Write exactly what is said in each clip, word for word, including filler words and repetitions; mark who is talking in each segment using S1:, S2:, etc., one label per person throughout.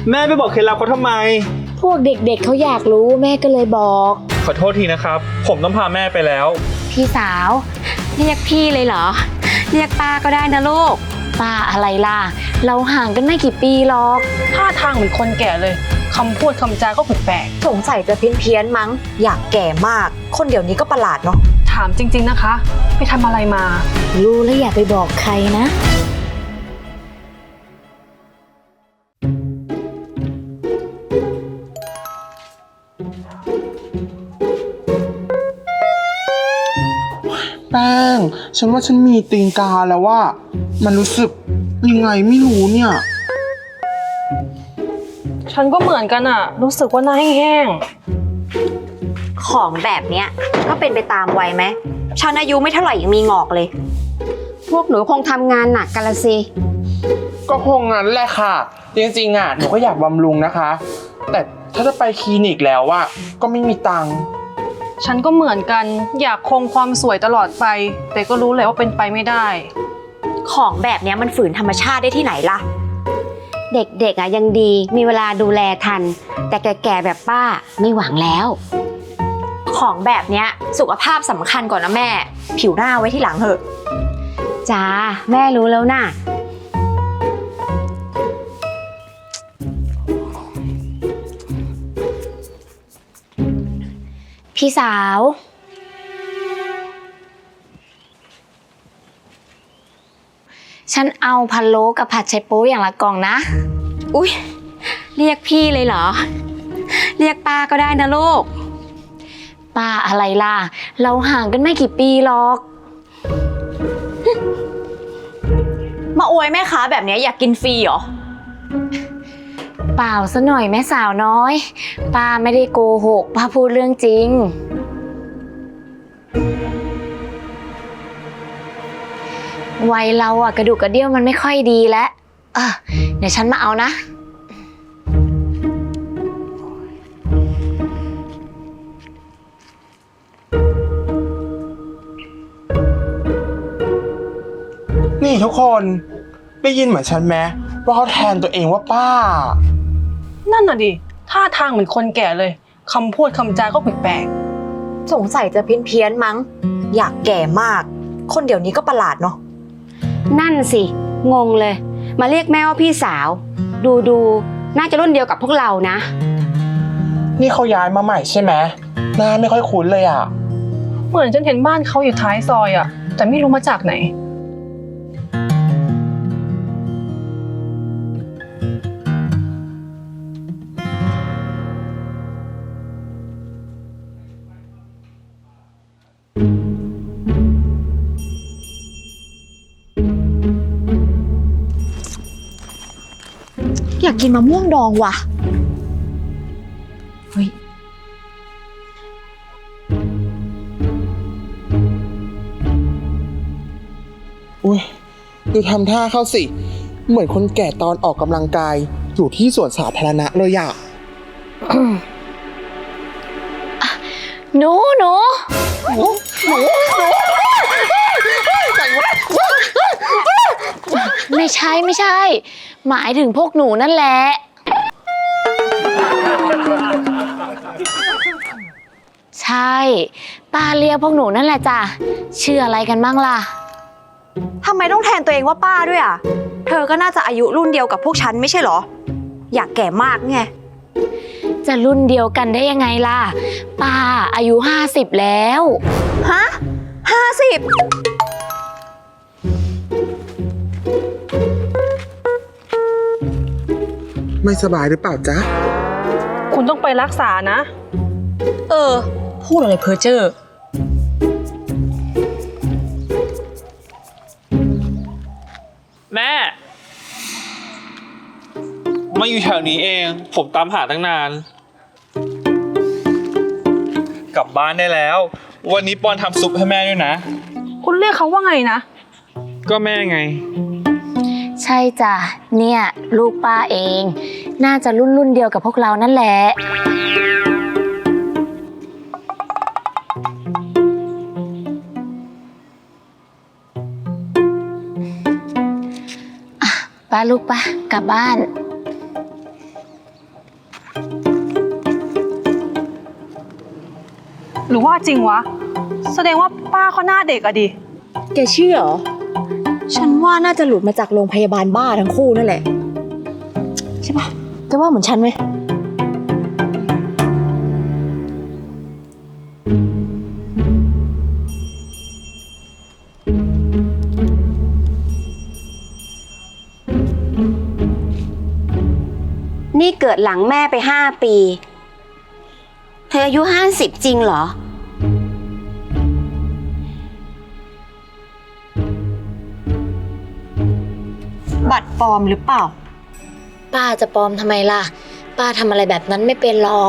S1: แม่ไปบอกเคล็ดลับเขาทำไม
S2: พวกเด็กๆ เเขาอยากรู้แม่ก็เลยบอก
S1: ขอโทษทีนะครับผมต้องพาแม่ไปแล้ว
S2: พี่สาวเรียกพี่เลยเหรอเรียกป้าก็ได้นะลูกป้าอะไรล่ะเราห่างกันไม่กี่ปีหรอก
S3: ท่าทางเหมือนคนแก่เลยคำพูดคำจาก็แปลก
S4: สงสัยจะเพี้ยนเพี้ยนมั้งอยากแก่มากคนเดี๋ยวนี้ก็ประหลาดเนาะ
S3: ถามจริงๆนะคะไปทำอะไรมา
S2: รู้แล้วอย่าไปบอกใครนะ
S5: แป้งฉันว่าฉันมีตีนกาแล้วว่ามันรู้สึกยังไงไม่รู้เนี่ย
S3: ฉันก็เหมือนกันอะรู้สึกว่าหน้าแห้ง
S4: ๆของแบบเนี้ยก็เป็นไปตามวัยไหมฉันอายุไม่เท่าไหร่ยังมีงอกเลย
S2: พวกหนูคงทำงานหนักกันละสิ
S5: ก็คงงั้นแหละค่ะจริงๆอ่ะหนูก็อยากบำรุงนะคะแต่ถ้าจะไปคลินิกแล้วอ่ะก็ไม่มีตังค์
S3: ฉันก็เหมือนกันอยากคงความสวยตลอดไปแต่ก็รู้แหละว่าเป็นไปไม่ได้
S4: ของแบบนี้มันฝืนธรรมชาติได้ที่ไหนล่ะ
S2: เด็กๆอ่ะยังดีมีเวลาดูแลทันแต่แก่ๆแบบป้าไม่หวังแล้ว
S4: ของแบบนี้สุขภาพสำคัญก่อนนะแม่ผิวหน้าไว้ที่หลังเถอะ
S2: จ้าแม่รู้แล้วน่ะพี่สาวฉันเอาพะโล้กับผัดไชโป๊อย่างละกล่องนะอุ๊ยเรียกพี่เลยเหรอเรียกป้าก็ได้นะลูกป้าอะไรล่ะเราห่างกันไม่กี่ปีหรอก
S4: มาอวยแม่ค้าแบบนี้อยากกินฟรีเหรอ
S2: เปล่าซะหน่อยแม่สาวน้อยป้าไม่ได้โกหกป้าพูดเรื่องจริงวัยเราอะกระดูกกระเดี่ยวมันไม่ค่อยดีแล้วเออเดี๋ยวฉันมาเอานะ
S5: นี่ทุกคนได้ยินเหมือนฉันไหมว่าเขาแทนตัวเองว่าป้า
S3: นั่นน่ะดิท่าทางเหมือนคนแก่เลยคำพูดคำจาก็แปลก
S4: สงสัยจะเพี้ยนเพี้ยนมั้งอยากแก่มากคนเดี๋ยวนี้ก็ประหลาดเนาะ
S2: นั่นสิงงเลยมาเรียกแม่ว่าพี่สาวดูดูน่าจะรุ่นเดียวกับพวกเรานะ
S5: นี่เขาย้ายมาใหม่ใช่ไหมหน้าไม่ค่อยคุ้นเลยอ่ะ
S3: เหมือนฉันเห็นบ้านเขาอยู่ท้ายซอยอะแต่ไม่รู้มาจากไหน
S4: อยากกินมะม่วงดองว่ะเฮ้ย
S5: อุ้ยดูทำท่าเข้าสิเหมือนคนแก่ตอนออกกำลังกายอยู่ที่สวนสาธารณะเลยอะ
S2: หนูหนู
S5: หนูหนูหนู
S2: ไม่ใช่ไม่ใช่หมายถึงพวกหนูนั่นแหละใช่ป้าเรียกพวกหนูนั่นแหละจ้ะชื่ออะไรกันบ้างล่ะ
S4: ทำไมต้องแทนตัวเองว่าป้าด้วยอ่ะเธอก็น่าจะอายุรุ่นเดียวกับพวกฉันไม่ใช่เหรออยากแก่มากไง
S2: จะรุ่นเดียวกันได้ยังไงล่ะป้าอายุห้าสิบแล้ว
S4: ฮะห้าสิบ
S5: ไม่สบายหรือเปล่าจ๊ะ
S3: คุณต้องไปรักษานะ
S4: เออพูดอะไรเพ้อเจ้อ
S1: แม่มาอยู่แถวนี้เองผมตามหาตั้งนานกลับบ้านได้แล้ววันนี้ปอนทำซุปให้แม่ด้วยนะ
S3: คุณเรียกเขาว่าไงนะ
S1: ก็แม่ไง
S2: ใช่จ้ะเนี่ยลูกป้าเองน่าจะรุ่นรุ่นเดียวกับพวกเรานั่นแหละป้าลูกป้ากลับบ้าน
S3: หรือว่าจริงวะ แสดงว่าป้าเขาหน้าเด็กอะดิ
S4: แกเชื่อเหรอ ฉันว่าน่าจะหลุดมาจากโรงพยาบาลบ้าทั้งคู่นั่นแหละ ใช่ปะแกว่าเหมือนฉันไหม
S2: นี่เกิดหลังแม่ไปห้าปี เธออายุห้าสิบจริงเหรอ
S4: บัตรปลอมหรือเปล่า
S2: ป้าจะปลอมทำไมล่ะ ป้าทำอะไรแบบนั้นไม่เป็นหรอก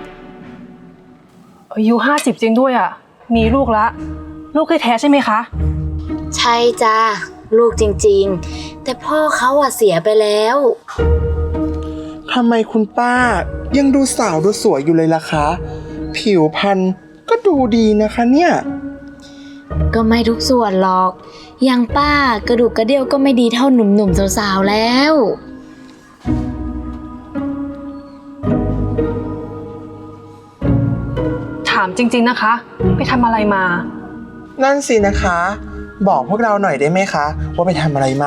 S3: อายุห้าสิบจริงด้วยอะมีลูกละ ลูกแท้ๆใช่ไหมคะ
S2: ใช่จ้าลูกจริงๆ แต่พ่อเขาอะเสียไปแล้ว
S5: ทำไมคุณป้ายังดูสาวดูสวยอยู่เลยล่ะคะ ผิวพรรณก็ดูดีนะคะเนี่ย
S2: ก็ไม่ทุกส่วนหรอก อย่างป้ากระดูกกระเดี่ยวก็ไม่ดีเท่าหนุ่มๆสาวๆแล้ว
S3: ถามจริงๆนะคะ ไปทำอะไรมา
S5: นั่นสินะคะ บอกพวกเราหน่อยได้ไหมคะ ว่าไปทำอะไรมา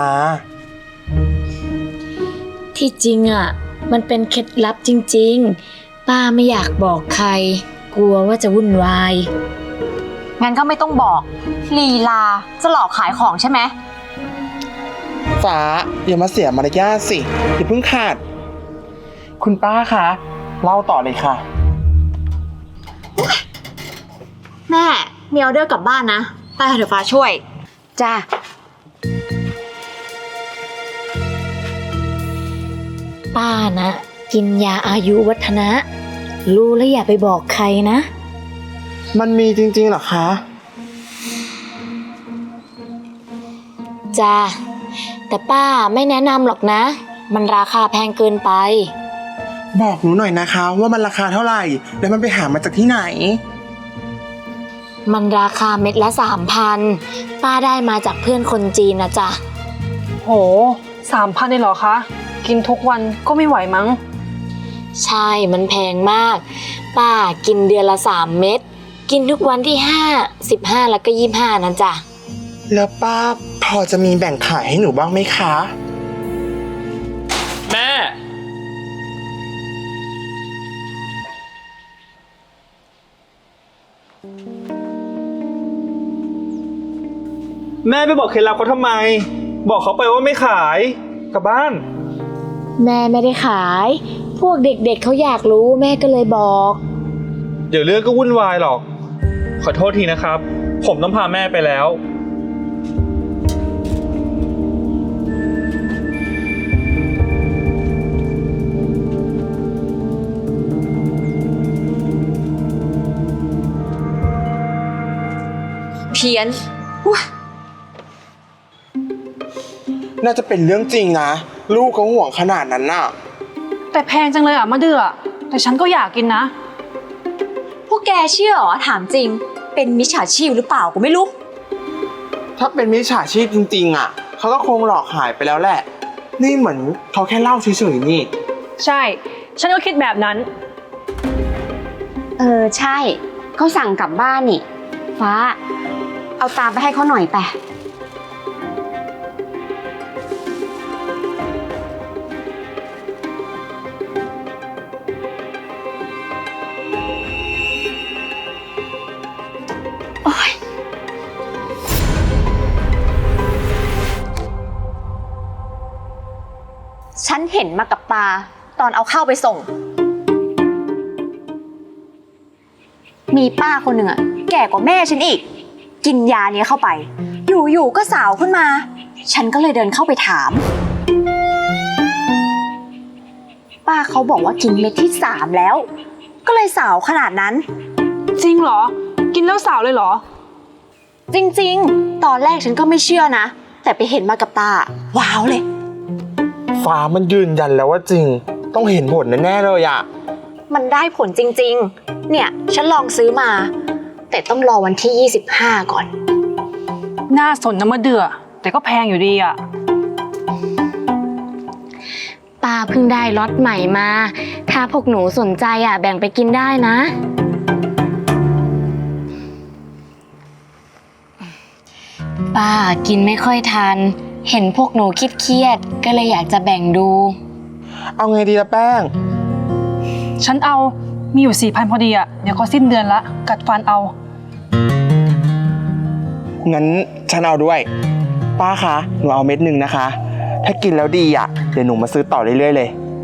S2: ที่จริงอะมันเป็นเคล็ดลับจริงๆ ป้าไม่อยากบอกใคร กลัวว่าจะวุ่นวาย
S4: งั้นก็ไม่ต้องบอก ลีลาจะหลอกขายของใช่ไหม
S5: ฟ้าอย่ามาเสียมารยาทสิอย่าเพิ่งขาด คุณป้าคะเล่าต่อเลยค่ะ
S4: แม่มีออเดอร์กลับบ้านนะไปเถอะฟ้าช่วย
S2: จ้าป้านะ กินยาอายุวัฒนะ รู้แล้วอย่าไปบอกใครนะ
S5: มันมีจริงๆเหรอคะ
S2: จ้าแต่ป้าไม่แนะนำหรอกนะ มันราคาแพงเกินไป
S5: บอกหนูหน่อยนะคะ ว่ามันราคาเท่าไหร่ แล้วมันไปหามาจากที่ไหน
S2: มันราคาเม็ดละสามพันป้าได้มาจากเพื่อนคนจีนนะจ๊ะ
S3: โหสามพันเลยเหรอคะ กินทุกวันก็ไม่ไหวมั้ง
S2: ใช่มันแพงมาก ป้ากินเดือนละสามเม็ดกินทุกวันที่ห้าสิบห้าแล้วก็ยี่ห้านั่นจ้ะ
S5: แล้วป้าพอจะมีแบ่งขายให้หนูบ้างไหมคะ
S1: แม่ แม่ไปบอกเคล็ดลับเขาทำไม บอกเขาไปว่าไม่ขายกลับบ้าน
S2: แม่ไม่ได้ขาย พวกเด็กๆเเขาอยากรู้แม่ก็เลยบอก
S1: เดี๋ยวเรื่องก็วุ่นวายหรอก ขอโทษทีนะครับ ผมต้องพาแม่ไปแล้ว
S4: เพี้ยน
S5: น่าจะเป็นเรื่องจริงนะ ลูกเขาห่วงขนาดนั้นน่ะ
S3: แต่แพงจังเลยอะมะเดือแต่ฉันก็อยากกินนะ
S4: พวกแกเชื่อเหรอถามจริง เป็นมิจฉาชีพหรือเปล่าก็ไม่รู้
S5: ถ้าเป็นมิจฉาชีพจริงๆอ่ะเขาก็คงหลอกขายไปแล้วแหละ นี่เหมือนเขาแค่เล่าเฉยๆนี่
S3: ใช่ ฉันก็คิดแบบนั้น
S2: เออใช่เขาสั่งกลับบ้านนี่ ฟ้า เอาตามไปให้เขาหน่อยไป โอ๊ย
S4: ฉันเห็นมากับตาตอนเอาข้าวไปส่ง มีป้าคนหนึ่งอะแก่กว่าแม่ฉันอีก กินยาเนี้ยเข้าไป อยู่ๆก็สาวขึ้นมา ฉันก็เลยเดินเข้าไปถาม ป้าเขาบอกว่ากินเม็ดที่สามแล้ว ก็เลยสาวขนาดนั้น
S3: จริงเหรอ กินแล้วสาวเลยเหรอ
S4: จริงๆ ตอนแรกฉันก็ไม่เชื่อนะ แต่ไปเห็นมากับตา ว้าวเลย
S5: ฟ้ามันยืนยันแล้วว่าจริง ต้องเห็นผลแน่ๆเลยอ่ะ
S4: มันได้ผลจริงๆ เนี่ย ฉันลองซื้อมา แต่ต้องรอวันที่ยี่สิบห้าก่อน
S3: น่าสนนะมะเดือแต่ก็แพงอยู่ดีอะ
S2: ป้าเพิ่งได้ล็อตใหม่มา ถ้าพวกหนูสนใจอ่ะแบ่งไปกินได้นะป้ากินไม่ค่อยทัน เห็นพวกหนูคิดเครียดๆก็เลยอยากจะแบ่งดู
S5: เอาไงดีละแป้ง
S3: ฉันเอามีอยู่สี่พันพอดีอะเดี๋ยวก็สิ้นเดือนละกัดฟันเอา
S5: งั้นฉันเอาด้วย ป้าคะหนูเอาเม็ดหนึ่งนะคะ ถ้ากินแล้วดีอ่ะเดี๋ยวหนูมาซื้อต่อเรื่อยๆเลย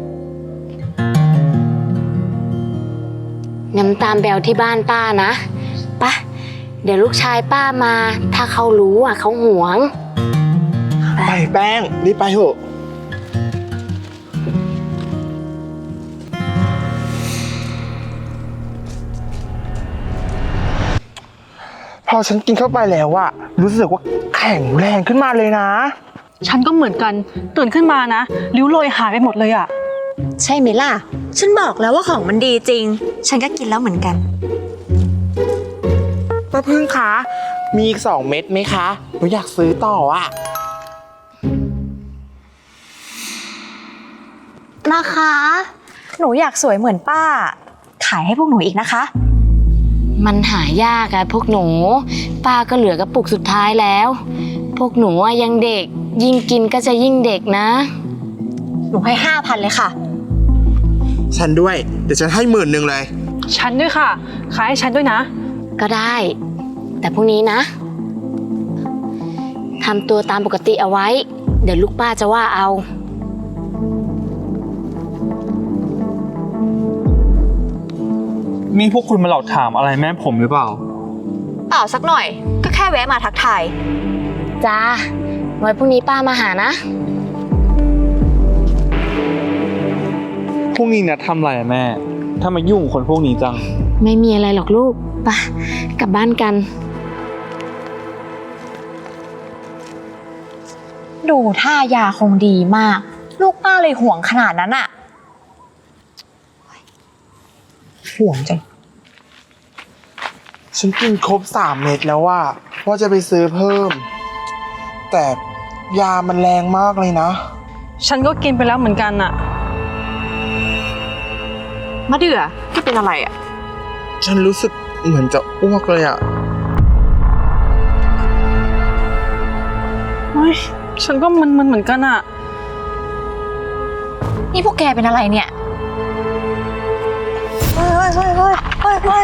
S2: น้ำตาลแบวที่บ้านป้านะปะเดี๋ยวลูกชายป้ามา ถ้าเขารู้อ่ะเขาหวง
S5: ไปแป้งรีบไปเถอะพอฉันกินเข้าไปแล้วอะรู้สึกว่าแข็งแรงขึ้นมาเลยนะ
S3: ฉันก็เหมือนกันตื่นขึ้นมานะริ้วรอยหายไปหมดเลยอะ
S4: ใช่ไหมล่ะ ฉันบอกแล้วว่าของมันดีจริง ฉันก็กินแล้วเหมือนกัน
S5: ป้าพึ่งคะ มีอีกสองเม็ดไหมคะหนูอยากซื้อต่ออะ
S4: นะคะ หนูอยากสวยเหมือนป้า ขายให้พวกหนูอีกนะคะ
S2: มันหายากอะพวกหนู ป้าก็เหลือกระปุกสุดท้ายแล้ว พวกหนูอะยังเด็ก ยิ่งกินก็จะยิ่งเด็กนะ
S4: หนูให้ห้าพันเลยค่ะ
S5: ฉันด้วย เดี๋ยวฉันให้หมื่นหนึ่งเลย
S3: ฉันด้วยค่ะขายให้ฉันด้วยนะ
S2: ก็ได้ แต่พรุ่งนี้นะทำตัวตามปกติเอาไว้ เดี๋ยวลูกป้าจะว่าเอา
S1: มีพวกคุณมาหลอกถามอะไรแม่ผมหรือเปล่า
S4: เปล่าสักหน่อย ก็แค่แวะมาทักทาย
S2: จ้า ไว้พรุ่งนี้ป้ามาหานะ
S1: พวกนี้นะทำอะไรอะแม่ถ้ามายุ่งกับคนพวกนี้จัง
S2: ไม่มีอะไรหรอกลูกไปกลับบ้านกัน
S4: ดูท่ายาคงดีมาก ลูกป้าเลยห่วงขนาดนั้นอะห่วงจัง
S5: ฉันกินครบสามเม็ดแล้วว่าว่าจะไปซื้อเพิ่ม แต่ยามันแรงมากเลยนะ
S3: ฉันก็กินไปแล้วเหมือนกันอะ
S4: มะเดื่อแกเป็นอะไรอะ
S5: ฉันรู้สึกเหมือนจะอ้วกเลยอะ
S3: เฮ้ยฉันก็มึนๆเหมือนกันอะ
S4: นี่พวกแกเป็นอะไรเนี่ย เฮ้ยเฮ้ยเฮ้ยเฮ้ยเฮ้ย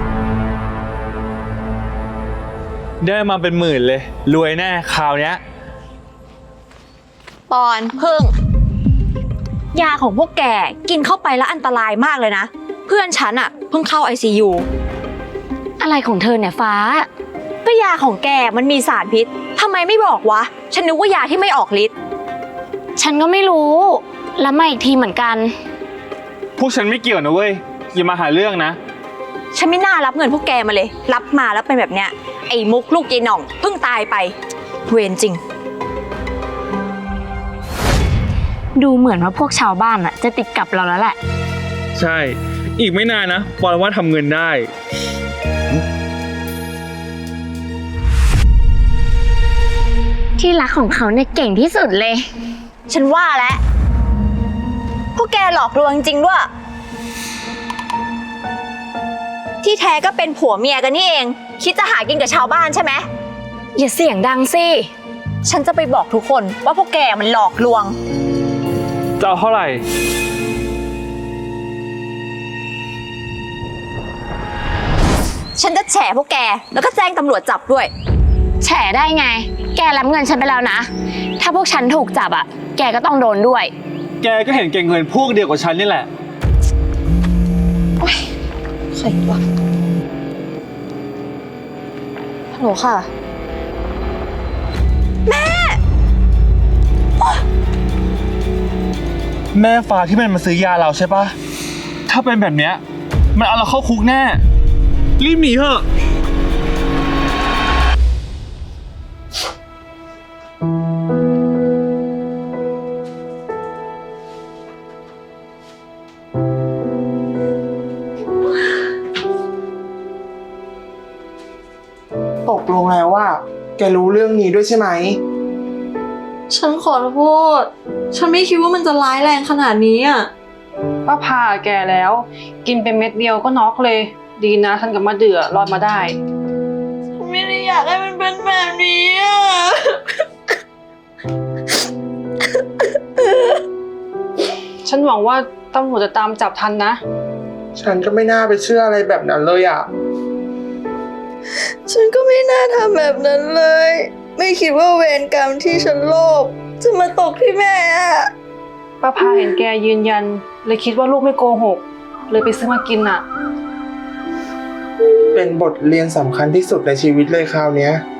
S1: ได้มาเป็นหมื่นเลย รวยแน่คราวเนี้ย
S4: ปอนพึ่ง ยาของพวกแกกินเข้าไปแล้วอันตรายมากเลยนะ เพื่อนฉันอะเพิ่งเข้า ไอ ซี ยู
S2: อะไรของเธอเนี่ยฟ้า
S4: ก็ยาของแกมันมีสารพิษทำไมไม่บอกวะ ฉันนึกว่ายาที่ไม่ออกฤทธิ์
S2: ฉันก็ไม่รู้ แล้วมาอีกทีเหมือนกัน
S1: พวกฉันไม่เกี่ยวนะเว้ยอย่ามาหาเรื่องนะ
S4: ฉันไม่น่ารับเงินพวกแกมาเลย รับมาแล้วเป็นแบบเนี้ย ไอ้มุกลูกยายหน่องเพิ่งตายไป เวรจริง
S2: ดูเหมือนว่าพวกชาวบ้านอะจะติดกับเราแล้วแหละ
S1: ใช่ อีกไม่นานนะปอนว่าทำเงินได้
S2: ที่รักของเขาเนี่ยเก่งที่สุดเลย
S4: ฉันว่าแล้วพวกแกหลอกลวงจริงด้วย ที่แท้ก็เป็นผัวเมียกันนี่เอง คิดจะหากินกับชาวบ้านใช่ไหม
S2: อย่าเสียงดังสิ
S4: ฉันจะไปบอกทุกคนว่าพวกแกมันหลอกลวง
S1: จะเอาเท่าไหร่
S4: ฉันจะแฉพวกแกแล้วก็แจ้งตำรวจจับด้วย
S2: แฉได้ไง แกรับเงินฉันไปแล้วนะ ถ้าพวกฉันถูกจับอะแกก็ต้องโดนด้วย
S1: แกก็เห็นเก่งเงินพวกเดียวกับฉันนี่แหละ
S4: ใครวะฮัลโหลค่ะ
S1: แม่ฟ้าที่มันมาซื้อยาเราใช่ปะถ้าเป็นแบบเนี้ยมันเอาเราเข้าคุกแน่ รีบหนีเถอะ
S5: ตกลงแล้วว่า แกรู้เรื่องนี้ด้วยใช่ไหม
S6: ฉันขอโทษ ฉันไม่คิดว่ามันจะร้ายแรงขนาดนี้อ่ะ
S3: ป้าพาแกแล้ว กินไปเม็ดเดียวก็น็อกเลย ดีนะฉันกับมะเดื่อรอดมาได้
S6: ฉันไม่ได้อยากให้มันเป็นแบบนี้อ่ะ
S3: ฉันหวังว่าตำรวจจะตามจับทันนะ
S5: ฉันก็ไม่น่าไปเชื่ออะไรแบบนั้นเลยอ่ะ
S6: ฉันก็ไม่น่าทำแบบนั้นเลย ไม่คิดว่าเวรกรรมที่ฉันโลภจะมาตกที่แม่อะ
S3: ป้าพาเห็นแกยืนยัน เลยคิดว่าลูกไม่โกหก เลยไปซื้อมากินอ่ะ
S5: เป็นบทเรียนสำคัญที่สุดในชีวิตเลยคราวเนี้ย